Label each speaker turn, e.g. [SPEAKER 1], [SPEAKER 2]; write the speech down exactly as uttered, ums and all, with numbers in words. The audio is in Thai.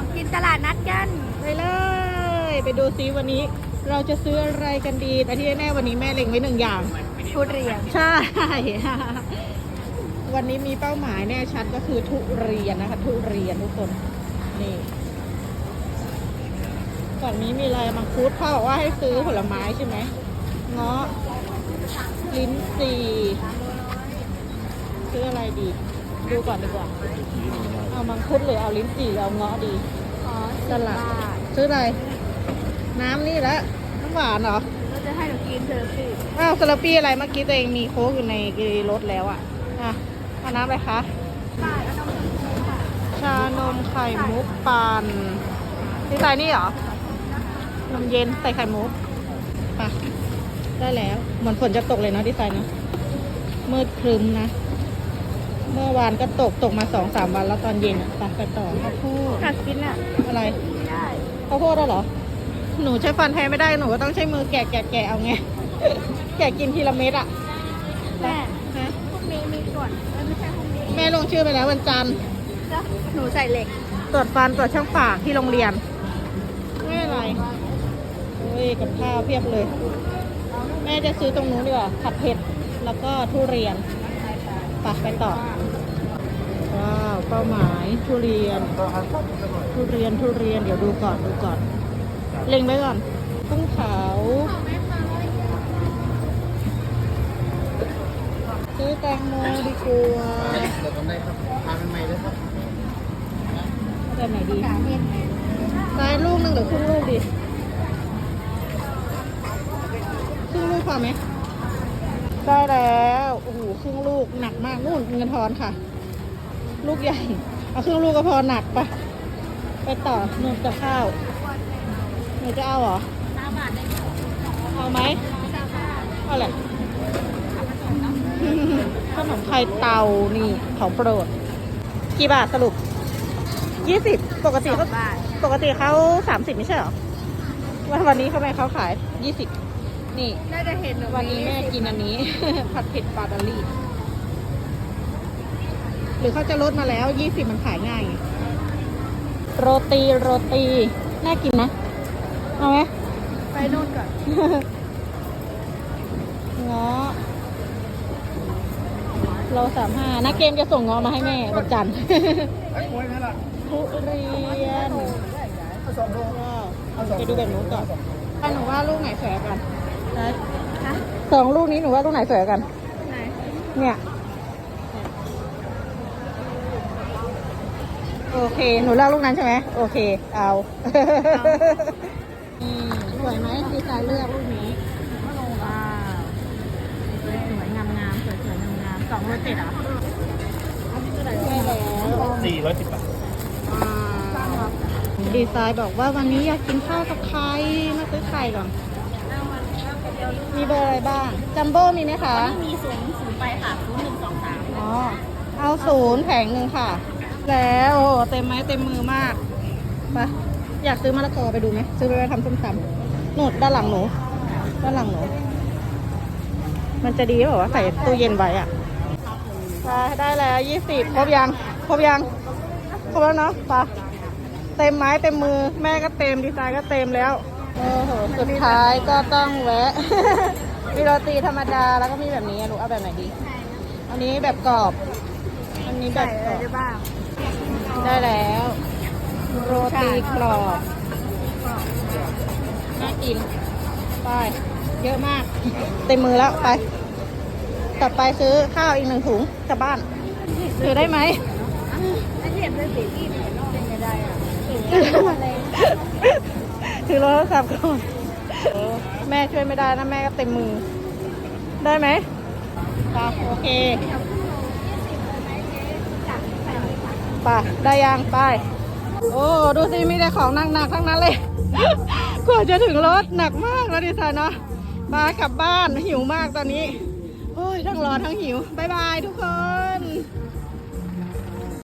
[SPEAKER 1] ของกินตลาดนัดกัน
[SPEAKER 2] ไปเลยไปดูซิวันนี้เราจะซื้ออะไรกันดีแต่ที่แน่วันนี้แม่เล็งไว้หนึ่งอย่าง
[SPEAKER 1] ทุเรียน
[SPEAKER 2] ใช่วันนี้มีเป้าหมายแน่ชัดก็คือทุเรียนนะคะทุเรียนทุกคนนี่ฝั่งนี้มีอะไรมังคุดพ่อบอกว่าให้ซื้อผลไม้ใช่ไหมเงาะลิ้นจี่ซื้ออะไรดีดูก่อนดีกว่าเอามังคุดหรือเอาลิ้นจี่หรือเอาเงาะดี
[SPEAKER 1] อ๋อ
[SPEAKER 2] ตลาดซื้ออะไรน้ำนี่ละน้ำหวานเหรอ
[SPEAKER 1] เราจะให้หนูกินเธอสิ
[SPEAKER 2] อ้าวซาลาปี้อะไรเมื่อกี้ตัวเองมีโค้กอยู่ในรถแล้วอ่ะอ่ะเอาน้ำอะไรคะชานมไข่มุกปั่นดีไซน์นี่เหรอนมเย็นใส่ไข่มุกไปได้แล้วเหมือนฝนจะตกเลยนะดีไซน์นะมืดครึ้มนะเมื่อวานก็ตกตกมาสองสามวันแล้วตอนเย็นอ่ะไปไปต่อข้าวโพด
[SPEAKER 1] กัดกินอ่ะ
[SPEAKER 2] อะไร
[SPEAKER 1] ไม่ได้
[SPEAKER 2] ข้าวโพดเหรอหนูใช้ฟันแทนไม่ได้หนูก็ต้องใช้มือแกะแกะแกะเอาไง แกะกินทีละเม็ดอ่ะ
[SPEAKER 1] แม่ฮะพวกนี้มีส่วนไม่ใช่พวกนี้
[SPEAKER 2] แม่ลงชื่อไปแล้ววันจันทร์
[SPEAKER 1] หนูใส่เหล็ก
[SPEAKER 2] ตรวจฟันตรวจช่องปากที่โรงเรียนไม่อะไรโอ้ยกับข้าวเพียบเลยแม่จะซื้อตรงนู้นดีกว่าผัดเผ็ดแล้วก็ทุเรียนไปไปต่อว้าวเป้าหมายทุเรียนทุเรียนทุเรียนเดี๋ยวดูก่อนดูก่อนเล็งไว้ก่อนกุ้งเผาซื้อแตงโมดีกว่า
[SPEAKER 3] เดี๋ยวทำได้ครับทานใหม่เลยครับ
[SPEAKER 2] แบบไหนดีซ้ายลูกหนึ่งหรือครึ่งลูกดีครึ่งลูกพอไหมได้แล้วโอ้โหครึ่งลูกหนักมากนู่นเงินทอนค่ะลูกใหญ่เอาครึ่งลูกก็พอหนักปะไปต่อหนุ่มกับข้าวหนูจะเอาเหรอเอาไหมเอาอะไรขนมไทยเตานี่ของโปรดกี่บาทสรุปยี่สิบปกติเขาปกติเขาสามสิบไม่ใช่เหรอวันวันนี้เขาไม่เขาขายยี่สิบนี่
[SPEAKER 1] น่าจะเห็น
[SPEAKER 2] วันนี้แม่กินอันนี้ ผัดเผ็ดปลาดอลลี่หรือเขาจะลดมาแล้วยี่สิบมันขายง่ายโรตีโรตีน่ากินนะเอาไหม
[SPEAKER 1] ไปนู่นก่อน
[SPEAKER 2] เงาะโลสามห้านักเกมจะส่งเงาะมาให้แม่วันจันทร์ทุเรียนว้าวไปดูแบบนู้นก่อนถ้าหนูว่าลูกไหนสวยกันสองลูกนี้หนูว่าลูกไหนสวยกัน
[SPEAKER 1] ไหน
[SPEAKER 2] เนี่ยโอเคหนูเลือกลูกนั้นใช่ไหมโอเคเอานี่สวยไหมดีไซน์เลือกลูกนี้ว้าวสวยงามงามสวยสวยงามงามสองโลเจ็ดอ่ะได้แล้ว
[SPEAKER 3] สี่ร้อยสิบบาท
[SPEAKER 2] ดีไซน์บอกว่าวันนี้อยากกินข้าวกับไข่มาซื้อไข่ก่อนมีเบอร์อะไรบ้างจัมโบ้มีไหมคะ
[SPEAKER 1] มีศูนย์ศูนย์ไปค่ะศูนย์หนึ่งสองสาม
[SPEAKER 2] อ๋อเอาศูนย์แผงหนึ่งค่ะแล้วโอ้เต็มไม้เต็มมือมากไปอยากซื้อมะละกอไปดูไหมซื้อไปทำส้มตำหนูด้านหลังหนูด้านหลังหนูมันจะดีหรือเปล่าใส่ตู้เย็นไว้อ่ะไปได้แล้วยี่สิบครบยังครบยังครบแล้วเนาะไปเต็มไม้เต็มมือแม่ก็เต็มดีไซน์ก็เต็มแล้วโอ้โหสุดท้ายก็ต้องแวะ มีโรตีธรรมดาแล้วก็มีแบบนี้หนูเอาแบบไหนดีอันนี้แบบกรอบอันนี้แบบกรอบได้แล้วโรตีกรอบน่ากินไปเยอะมากเต็มมือแล้วไปต่อไปซื้อข้าวอีกหนึ่งถุงกลับบ้านถือได้ไหม
[SPEAKER 1] ไม่เห็นเลยสิที่เป็นยังไงได้อ่ะ
[SPEAKER 2] ถือโทรศัพท์ก่อนแม่ช่วยไม่ได้นะแม่ก็เต็มมือได้ไหมโอเคไปได้ยังไปโอ้ดูสิมีแต่ของหนักๆทั้งนั้นเลยกว่าจะถึงรถหนักมากแล้วดิฉันเนาะมากลับบ้านหิวมากตอนนี้โอ้ยทั้งร้อนทั้งหิวบ๊ายบายทุกคน